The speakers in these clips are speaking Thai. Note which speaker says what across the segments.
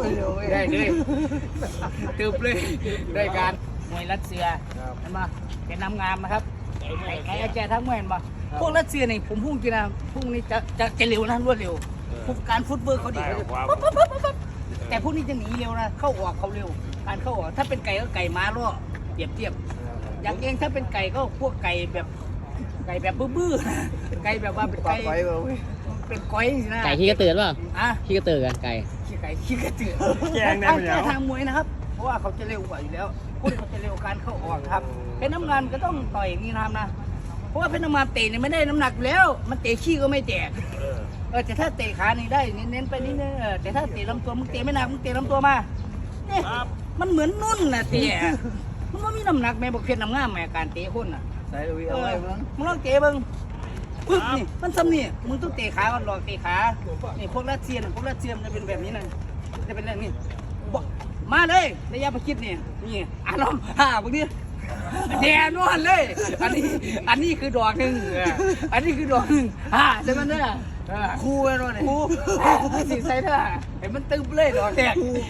Speaker 1: ได้เลยตืบเลยได้การมวยรัสเซียเห็นไหมเป็นน้ำงามนะครับไอ้แกทั้งมวยเห็นปะพวกรัสเซียนี่ผมพูดจริงนะพวกนี้จะเร็วนะรวดเร็วพวกการฟุตเวิร์กเขาดีแต่พวกนี้จะหนีเร็วนะเข้าออกเขาเร็วการเข้าออกถ้าเป็นไก่ก็ไก่ม้าล่อเทียบอย่างเองถ้าเป็นไก่ก็พวกไก่แบบบื้อๆไก่แบบว่าเป็นไก่เป็นก้อยนะ
Speaker 2: ไก่ขี้กระตือป่ะ
Speaker 1: อ่ะ
Speaker 2: ขี้กระตือกันไก่
Speaker 1: ขี้กระตือแกงได้ไหมเนี่ยทางมวยนะครับเพราะว่าเขาจะเร็วกว่าอยู่แล้วพวกเขาจะเร็วการเข้าออกครับเป็นน้ำงานก็ต้องต่อยนี่นะเพราะว่าเป็นน้ำมันเตะเนี่ยไม่ได้น้ำหนักแล้วมันเตะขี้ก็ไม่แตกแต่ถ้าเตะขานี่ได้เน้นไปนิดนึงแต่ถ้าเตะลำตัวมึงเตะไม่หนักมึงเตะลำตัวมาเนี่ยมันเหมือนนุ่นนะเตะมันไม่มีน้ำหนักแม่บอกเพี้ยนน้ำง่ามแม่การเตะคนน่ะ
Speaker 3: ใส่ลุยเอาไว้เบิ่ง
Speaker 1: มึงลองเตะเบิ่งปึ๊บนี่มันซ้ำนี่มึงต้องเตะขาก่อนหลอกเตะขานี่พวกรัสเซียมันจะเป็นแบบนี้นะจะเป็นแบบนี้มาเลยระยะประชิดนี่อารมณ์พวกนี้แดนวนเลยอันนี้คือดอกหนึ่งอันนี้คือดอกหนึ่งใช่ไหมเนี่ย
Speaker 3: คู่ไว้หน่อย
Speaker 1: คู่สีใส่เถอะเห็นมันตึ๊บเลยดอกแตก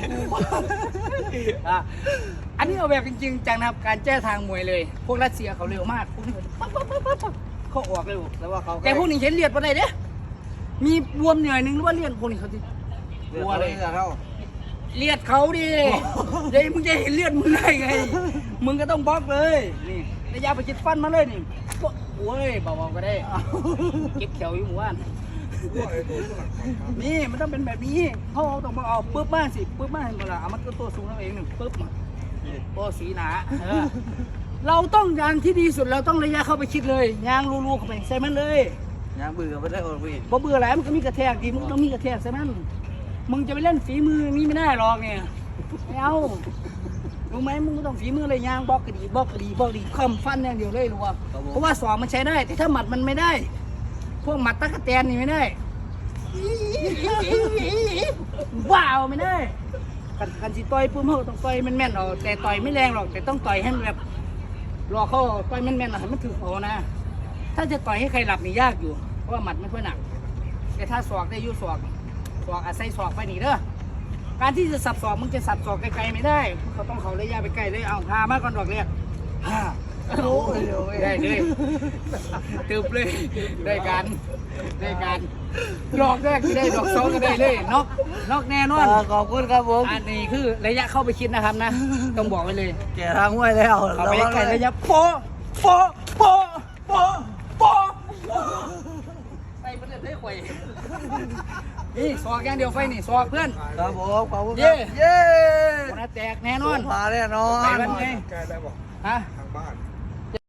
Speaker 1: อันนี้เอาแบบจริงๆจังนะครับการแก้ทางมวยเลยพวกรัสเซียเขาเร็วมากพวกนี้เขาออกเร็วแต่พวกนี้เห็นเลียดมาได้เด้มีบวมหน่อยนึงหรือว่าเลียดพวกนี้เขาที่
Speaker 3: บัวเลยเขา
Speaker 1: เลียดเขาดิเดี๋ยวมึงจะเห็นเลียดมึงได้ไงมึงก็ต้องบล็อกเลยนี่ระยะประชิดฟันมาเลยนี่โอ้ยเบาๆก็ได้เก็บเขียวอยู่หมู่บ้านนี่มันต้องเป็นแบบนี้เขาต้องมาเอาปึ๊บมากสิปึ๊บมากเห็นเปล่าเอามันก็ตัวสูงแล้วเองหนึ่งปึ๊บมาตัวสีหนาเราต้องยางที่ดีสุดเราต้องระยะเข้าไปชิดเลยยางรูๆเข้าไปใส่มันเลย
Speaker 3: ยางเบื่อไม่ได้โอ้ย
Speaker 1: พอเบื่อแล้วมันก็มีกระแทกดีมึงต้องมีกระแทกใส่มันมึงจะไปเล่นฝีมือนี่ไม่ได้หรอกเนี่ยไม่เอารู้ไหมมึงก็ต้องฝีมือเลยยางบล็อกกระดีคอมฟันอย่างเดียวเลยรู้ป่ะเพราะว่าสองมันใช้ได้แต่ถ้าหมัดมันไม่ได้พวกหมัดตะกะแตนนี่ไม่ได้ว้าวไม่ได้กันสิต่อยปุ๊บเขาต้องต่อยแม่นๆเอาแต่ต่อยไม่แรงหรอกแต่ต้องต่อยให้มันแบบรอเขาต่อยแม่นๆให้มันถือเขานะถ้าจะต่อยให้ใครหลับนี่ยากอยู่เพราะว่าหมัดมันค่อยหนักแต่ถ้าศอกได้ยุ่ศอกอาศัยศอกไปหนีเด้อการที่จะสับศอกมึงจะสับศอกไกลๆไม่ได้เขาต้องเขาระยะไปไกลเลยเอาพามาก่อนดอกเรียกได้เลยตืบเลยได้การดอกแรกก็ได้ดอกสองก็ได้เลยนอกแน่นอน
Speaker 3: ขอบคุณครับผม
Speaker 1: อันนี้คือระยะเข้าไปคิดนะครับนะต้องบอกไว้เลย
Speaker 3: แก่ทางห้วยแล้ว
Speaker 1: เอาไปไกลระยะโปไปมันเลยได้ข่อยนี่สอกอย่างเดียวไฟนี่สอกเพื่อน
Speaker 3: ครับผมขอบคุณ
Speaker 1: เย่
Speaker 3: คน
Speaker 1: แตกแน่นอน
Speaker 3: มาแน่นอน
Speaker 1: ไปวันไง
Speaker 4: แกได้บอก
Speaker 1: ฮะ
Speaker 4: ทางบ้าน